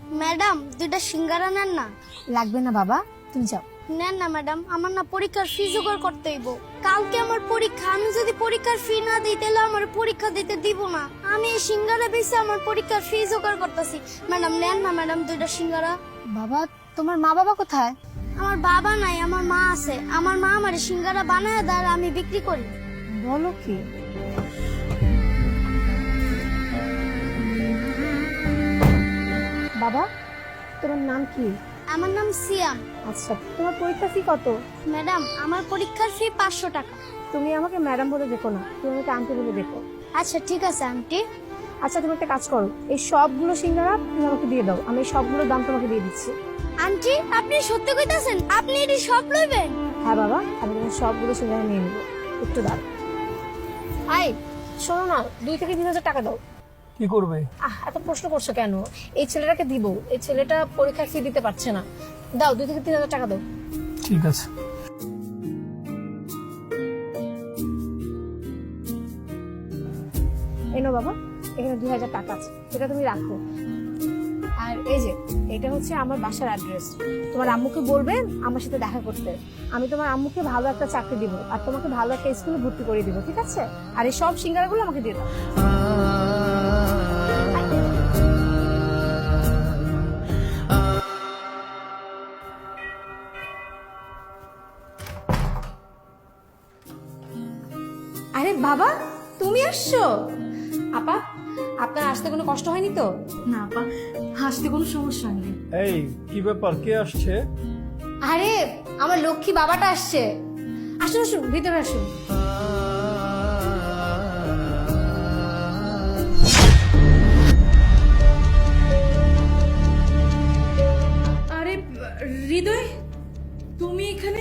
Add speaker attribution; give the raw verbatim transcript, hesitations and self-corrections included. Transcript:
Speaker 1: Madam দুইটা সিঙ্গারা নেন না।
Speaker 2: লাগবে না বাবা, তুমি যাও।
Speaker 1: নেন না ম্যাডাম, আমার না পরীক্ষার ফি জোগাড় করতে হইব। কালকে আমার পরীক্ষা, আমি যদি পরীক্ষার ফি না দিই তাহলে আমার পরীক্ষা দিতে দিব না। আমি এই সিঙ্গারা বেচে আমার পরীক্ষার ফি জোগাড় করতেছি। ম্যাডাম নেন না ম্যাডাম দুইটা সিঙ্গারা।
Speaker 2: বাবা, তোমার মা বাবা কোথায়?
Speaker 1: আমার বাবা নাই, আমার মা আছে। আমার মা আমার সিঙ্গারা বানায় দেয় আর আমি বিক্রি করি।
Speaker 2: বলো কি? বাবা, তোমার নাম কি?
Speaker 1: আমার নাম সিয়াম।
Speaker 2: আচ্ছা, তোমার পরীক্ষা ফি কত?
Speaker 1: ম্যাডাম আমার পরীক্ষার ফি পাঁচশো টাকা।
Speaker 2: তুমি আমাকে ম্যাডাম বলে দেখো না, তুমি আমাকে আন্টি বলে দেখো।
Speaker 1: আচ্ছা ঠিক আছে আন্টি।
Speaker 2: আচ্ছা, তুমি একটা কাজ করো, এই সবগুলো সিঙ্গারা তুমি আমাকে দিয়ে দাও, আমি এই সবগুলোর দাম তোমাকে দিয়ে দিচ্ছি।
Speaker 1: আন্টি আপনি সত্যি কইতাছেন? আপনি এটি সব লইবেন?
Speaker 2: হ্যাঁ বাবা, আমি তোমার সবগুলো সিঙ্গারা নিয়ে নেবো, একটু দাও। আই শোনো না, দুই থেকে তিন হাজার টাকা দাও।
Speaker 3: কি করবে?
Speaker 2: আহ এত প্রশ্ন করছো কেন? এই ছেলেটাকে দিব, এই ছেলেটা পরীক্ষার ফি দিতে পারছে না। দাও, দুই থেকে তিন হাজার টাকা দাও।
Speaker 3: ঠিক আছে।
Speaker 2: এনো বাবা, এখানে দুই হাজার টাকা আছে, এটা তুমি রাখো। আর এই যে এটা হচ্ছে আমার বাসার অ্যাড্রেস। তোমার আম্মুকে বলবেন আমার সাথে দেখা করতে। আমি তোমার আম্মুকে ভালো একটা চাকরি দিব আর তোমাকে ভালো একটা স্কুলে ভর্তি করে দিব, ঠিক আছে? আর এই সব সিঙ্গারাগুলো আমাকে দিয়ে দাও। আরে বাবা, তুমি আসছো? আপা, আপনার আসতে কোনো কষ্ট হয়নি তো?
Speaker 4: না আপা, হাসতে কোনো সমস্যা নেই।
Speaker 3: এই কি ব্যাপার, কে আসছে?
Speaker 2: আরে আমার লক্ষ্মী বাবাটা আসছে। আসুন আসুন, ভিতরে আসুন।
Speaker 4: আরে হৃদয়, তুমি এখানে?